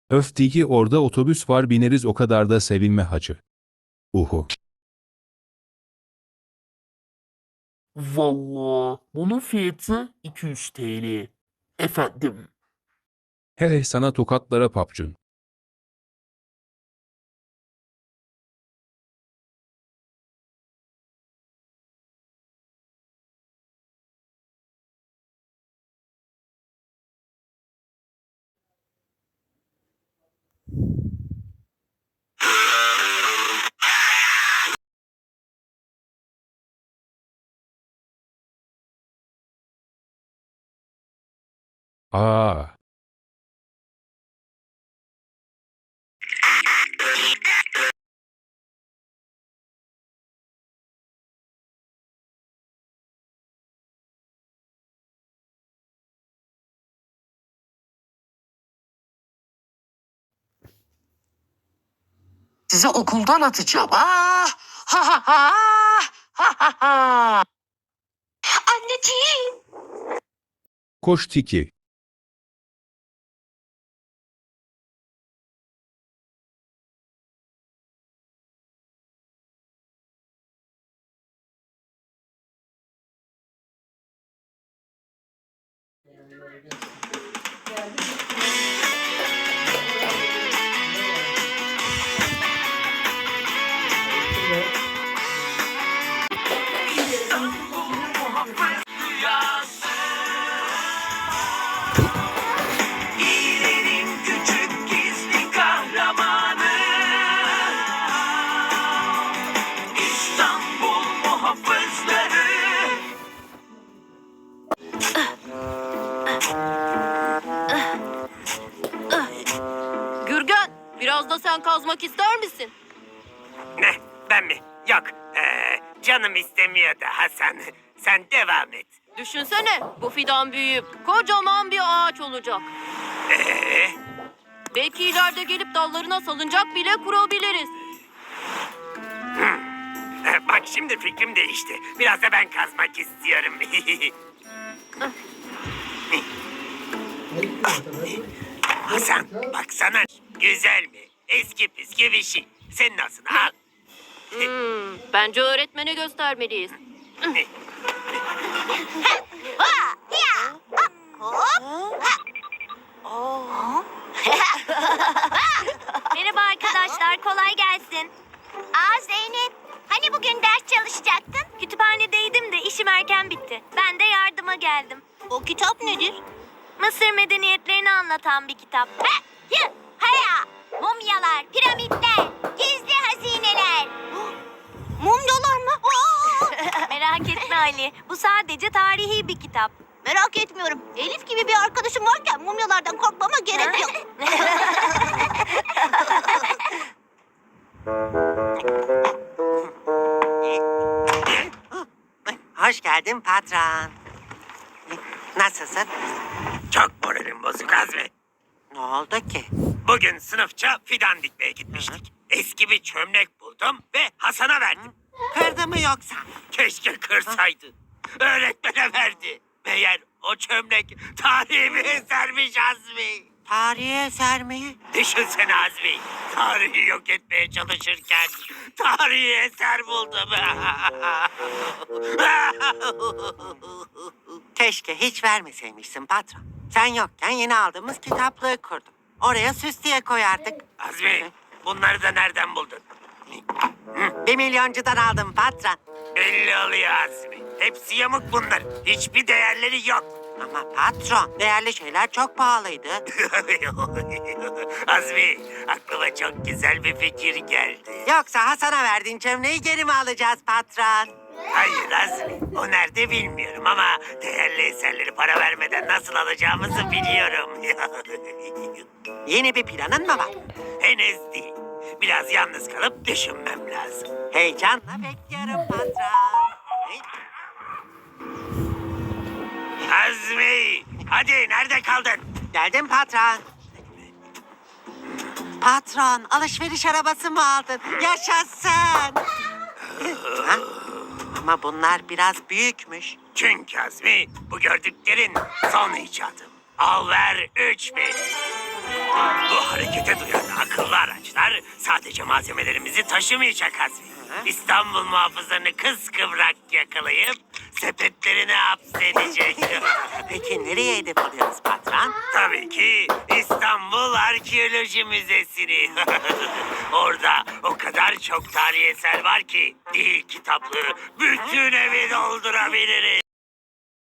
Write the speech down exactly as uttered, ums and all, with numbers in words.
Öf Tiki, orada otobüs var, bineriz, o kadar da sevinme hacı. Uhu. Vallahi bunun fiyatı iki yüz T L. Efendim. Hele sana tokatlara papcun. Aa. Sizi okuldan atacağım. Ah! Ha ha ha! Ha ha ha! Anneciğim. Koş Tiki. İyilerin küçük gizli kahramanı. İstanbul muhafızları. Gürgen, biraz da sen kazmak ister misin? Ne? Ben mi? Yok. Ee, canım istemiyor da Hasan. Sen devam et. Düşünsene, bu fidan büyüyüp kocaman bir ağaç olacak. Ee, Belki ileride gelip dallarına salıncak bile kurabiliriz. e, bak şimdi fikrim değişti. Biraz da ben kazmak istiyorum. Hasan baksana. Güzel mi? Eski püskü bir şey. Senin olsun al. Hmm, bence öğretmene göstermeliyiz. Merhaba arkadaşlar, kolay gelsin. Aa Zeynep, hani bugün ders çalışacaktın? Kütüphanedeydim de işim erken bitti. Ben de yardıma geldim. O kitap nedir? Mısır medeniyetlerini anlatan bir kitap. Ha, yı, haya, mumyalar, piramitler, gizli hazineler. Mumyalar mı? Merak etme Ali, bu sadece tarihi bir kitap. Merak etmiyorum. Elif gibi bir arkadaşım varken mumyalardan korkmama gerek yok. Hoş geldin patron. Nasılsın? Çok moralim bozuk Azmi. Ne oldu ki? Bugün sınıfça fidan dikmeye gitmiştik. Eski bir çömlek buldum ve Hasan'a verdim. Kırdı mı yoksa? Keşke kırsaydı. Öğretmene verdi. Meğer o çömlek tarihi bir esermiş Azmi. Tarihi eser mi? Düşünsene Azmi. Tarihi yok etmeye çalışırken tarihi eser buldum. Keşke hiç vermeseymişsin patron. Sen yokken yeni aldığımız kitaplığı kurdum. Oraya süs diye koyardık. Azmi, bunları da nereden buldun? Bir milyoncudan aldım patron. Belli oluyor Azmi. Hepsi yamuk bunlar. Hiçbir değerleri yok. Ama patron, değerli şeyler çok pahalıydı. Azmi, aklıma çok güzel bir fikir geldi. Yoksa Hasan'a verdiğin çömleği geri mi alacağız patron? Hayır Azmi, o nerede bilmiyorum ama değerli eserleri para vermeden nasıl alacağımızı biliyorum. Yeni bir planın mı var? Henüz değil. Biraz yalnız kalıp düşünmem lazım. Heyecanla bekliyorum patron. Azmi, hadi nerede kaldın? Geldim patron. Patron, alışveriş arabası mı aldın? Yaşasın. Ha? Ama bunlar biraz büyükmüş. Çünkü Azmi, bu gördüklerin son icadım. Al ver üç bin. Bu harekete duyan akıllı araçlar sadece malzemelerimizi taşımayacak Azmi. İstanbul muhafızlarını kıskıvrak yakalayıp sepetlerine hapsedecek. Peki nereye hedef alıyoruz patron? Tabii ki İstanbul Arkeoloji Müzesi'ni. Orada o kadar çok tarihi eser var ki değil kitaplığı bütün evi doldurabiliriz.